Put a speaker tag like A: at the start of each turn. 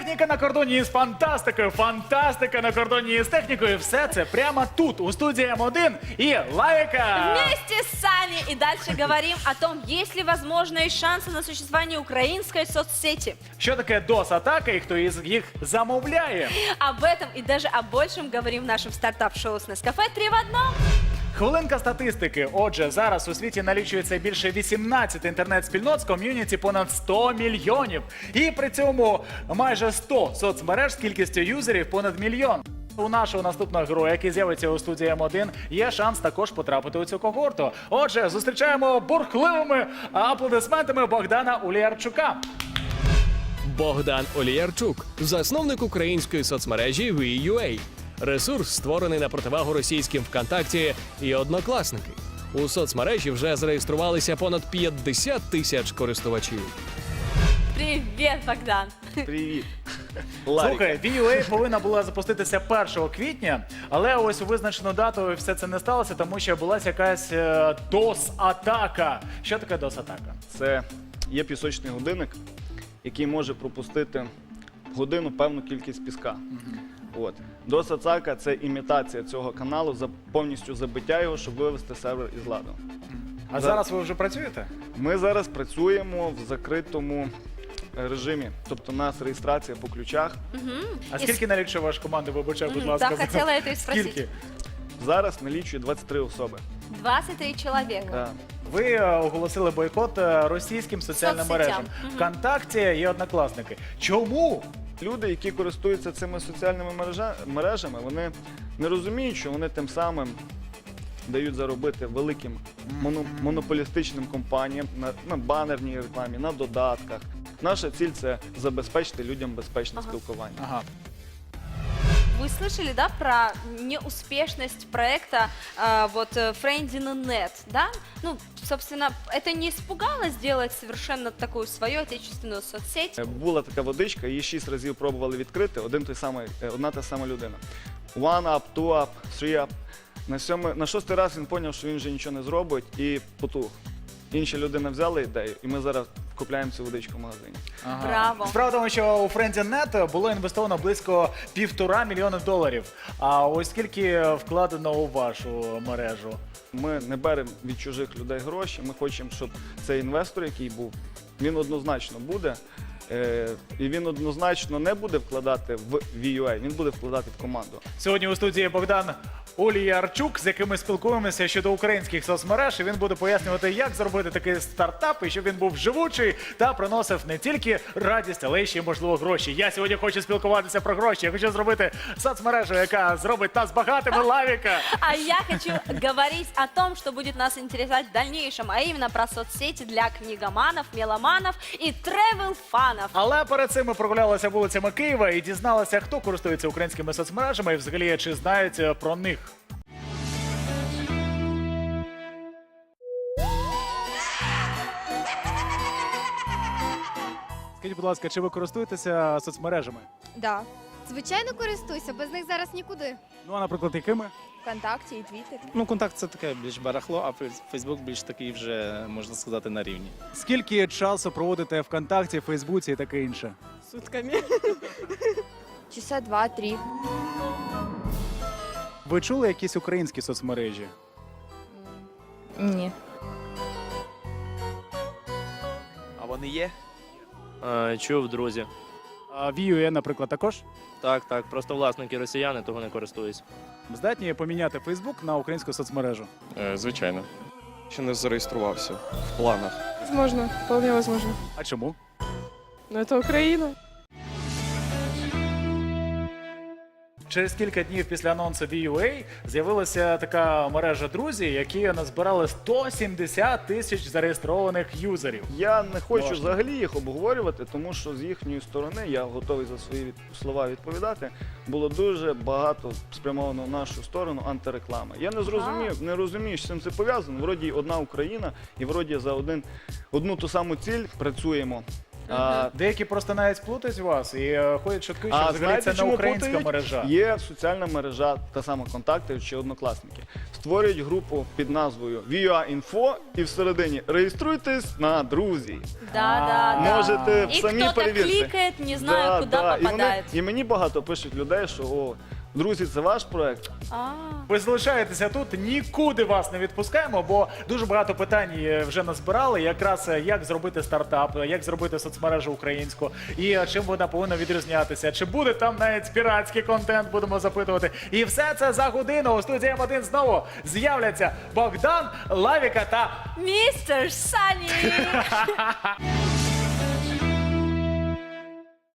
A: Техніка на кордоні з фантастикою, фантастика на кордоні з технікою. Все це прямо тут, у студії М1 і Лавіка.
B: Вместе с Саней и дальше говорим о том, есть ли возможные шансы на существование украинской соцсети.
A: Що таке DOS-атака і хто із їх замовляє?
B: Об этом и даже о большем говорим в нашем стартап-шоу с Нескафе 3 в одном.
A: Хвилинка статистики. Отже, зараз у світі налічується більше 18 інтернет-спільнот з ком'юніті понад 100 мільйонів. І при цьому майже 100 соцмереж з кількістю юзерів понад мільйон. У нашого наступного героя, який з'явиться у студії М1, є шанс також потрапити у цю когорту. Отже, зустрічаємо бурхливими аплодисментами Богдана Уліярчука.
C: Богдан Оліярчук, засновник української соцмережі VUA. Ресурс створений на противагу російським ВКонтакті і Однокласники. У соцмережі вже зареєструвалися понад 50 тисяч користувачів.
B: Привет, Богдан.
D: Привіт.
A: Слухай, VUA повинна була запуститися 1 квітня, але ось у визначену дату все це не сталося, тому що була якась DOS-атака. Що таке DOS-атака?
D: Це є пісочний годинник, який може пропустити в годину певну кількість піска. От. DOS-атака – це імітація цього каналу, повністю забиття його, щоб вивести сервер із ладу.
A: А зараз ви вже працюєте?
D: Ми зараз працюємо в закритому режимі, тобто у нас реєстрація по ключах.
A: А скільки налічує ваша команда, вибачай, будь ласка?
B: Да, хотела это и спросить.
A: Скільки?
D: Зараз налічує 23 особи.
B: 23 человека.
D: Да.
A: Ви оголосили бойкот російським соціальним
B: Соцсетям.
A: мережам. ВКонтакті і Однокласники. Чому?
D: Люди, які користуються цими соціальними мережами, вони не розуміють, що вони тим самим дають заробити великим монополістичним компаніям на банерній рекламі, на додатках. Наша ціль – це забезпечити людям безпечне спілкування.
A: Ага.
B: Вы слышали, да, про неуспешность проекта Friendly.net, да? Ну, собственно, это не испугало сделать совершенно такую свою отечественную соцсеть?
D: Була така водичка, її 6 разів пробували відкрити, одна та сама людина. One up, two up, three up. На 6-й раз він зрозумів, що він вже нічого не зробить і потух. Інша людина взяла ідею, і ми зараз купляємо цю водичку в магазині.
A: Ага.
B: Браво.
A: Справа в тому, що у Friendly.net було інвестовано близько $1,5 мільйона. А ось скільки вкладено у вашу мережу?
D: Ми не беремо від чужих людей гроші, ми хочемо, щоб цей інвестор, який був, він однозначно буде. І він однозначно не буде вкладати в VUA, він буде вкладати в команду.
A: Сьогодні у студії Богдан Уліярчук, з яким ми спілкуємося щодо українських соцмереж. І він буде пояснювати, як зробити такий стартап, і щоб він був живучий та приносив не тільки радість, але й ще, можливо, гроші. Я сьогодні хочу спілкуватися про гроші. Я хочу зробити соцмережу, яка зробить нас багатими, Лавіка.
B: А я хочу говорить о том, что будет нас интересовать в дальнейшем, а именно про соцсети для книгоманов, меломанов и тревел-фанов.
A: Але перед цим ми прогулялися вулицями Києва і дізналися, хто користується українськими соцмережами і взагалі чи знають про них. Скажіть, будь ласка, чи ви користуєтеся соцмережами?
E: Да. Звичайно, користуюся, без них зараз нікуди.
A: Ну, а, наприклад, якими?
E: Вконтакті і Твіттер.
F: Ну, контакт це таке більш барахло, а Фейсбук більш такий вже, можна сказати, на рівні.
A: Скільки часу проводите ВКонтакті, Фейсбуці і таке інше?
E: Сутками. Часа 2-3.
A: Ви чули якісь українські соцмережі?
E: Ні.
G: А вони є?
H: Чув, друзі.
A: А VUA, наприклад, також?
H: Так, просто власники росіяни, того не користуюсь.
A: Здатні поміняти Фейсбук на українську соцмережу?
I: Звичайно. Ще не зареєструвався в планах.
J: Возможно, вполне возможно.
A: А чому?
J: Но это Украина.
A: Через кілька днів після анонсу VUA з'явилася така мережа «Друзі», які назбирали 170 тисяч зареєстрованих юзерів.
D: Я не хочу
A: Можна.
D: взагалі їх обговорювати, тому що з їхньої сторони, я готовий за свої слова відповідати, було дуже багато спрямовано в нашу сторону антиреклами. Я не розумію, з чим це пов'язано. Вроді одна Україна і вроді за одну ту саму ціль працюємо.
A: Деякі просто навіть плутають вас і ходять чутки, що взагалі
D: знаєте,
A: це не
D: чому
A: українська
D: плутають?
A: мережа.
D: Є соціальна мережа, та сама «Контакти» чи «Однокласники». створюють групу під назвою VUA-Info і всередині реєструйтесь на друзі.
B: Да.
D: Можете
B: И
D: самі
B: кто-то
D: перевірити.
B: кликает, не знаю, куда попадает.
D: І мені багато пишуть людей, що о, друзі, це ваш проект.
A: Ви залишаєтеся тут, нікуди вас не відпускаємо, бо дуже багато питань вже назбирали. Якраз як зробити стартап, як зробити соцмережу українську, і чим вона повинна відрізнятися. Чи буде там навіть піратський контент, будемо запитувати. І все це за годину. У студії М1 знову з'являться Богдан, Лавіка та
B: Мистер Санни!